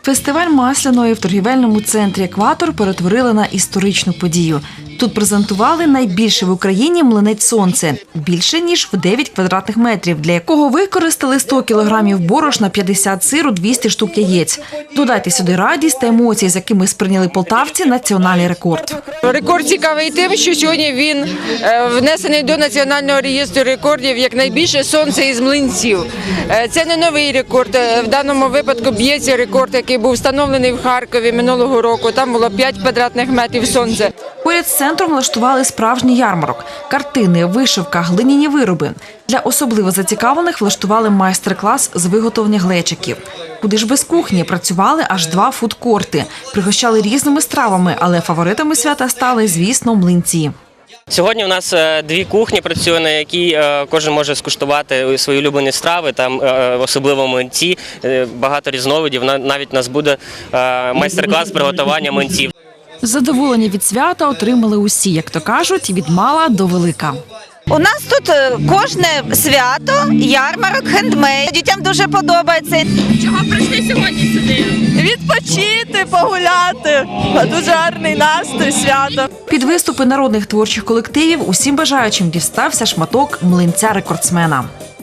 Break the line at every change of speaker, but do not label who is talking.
Фестиваль масляної в торгівельному центрі «Екватор» перетворили на історичну подію. Тут презентували найбільший в Україні млинець «Сонце» – більше, ніж в 9 квадратних метрів, для якого використали 100 кілограмів борошна, 50 сиру, 200 штук яєць. Додайте сюди радість та емоції, з якими сприйняли полтавці національний рекорд.
Рекорд цікавий тим, що сьогодні він внесений до Національного реєстру рекордів як найбільше сонце із млинців. Це не новий рекорд. В даному випадку б'ється рекорд, який був встановлений в Харкові минулого року. Там було 5 квадратних метрів сонця.
Поряд з центром влаштували справжній ярмарок – картини, вишивка, глиняні вироби. Для особливо зацікавлених влаштували майстер-клас з виготовлення глечиків. Куди ж без кухні працювали аж 2 фудкорти. Пригощали різними стравами, але фаворитами свята стали, звісно, млинці.
Сьогодні у нас 2 кухні працює, на якій кожен може скуштувати свої улюблені страви, там особливо млинці, багато різновидів. Навіть у нас буде майстер-клас приготування млинців.
Задоволення від свята отримали усі, як то кажуть, від мала до велика.
У нас тут кожне свято, ярмарок, хендмейд. Дітям дуже подобається.
Чого прийшли сьогодні сюди?
Відпочити, погуляти. Дуже гарний настрій, свято.
Під виступи народних творчих колективів усім бажаючим дістався шматок млинця рекордсмена.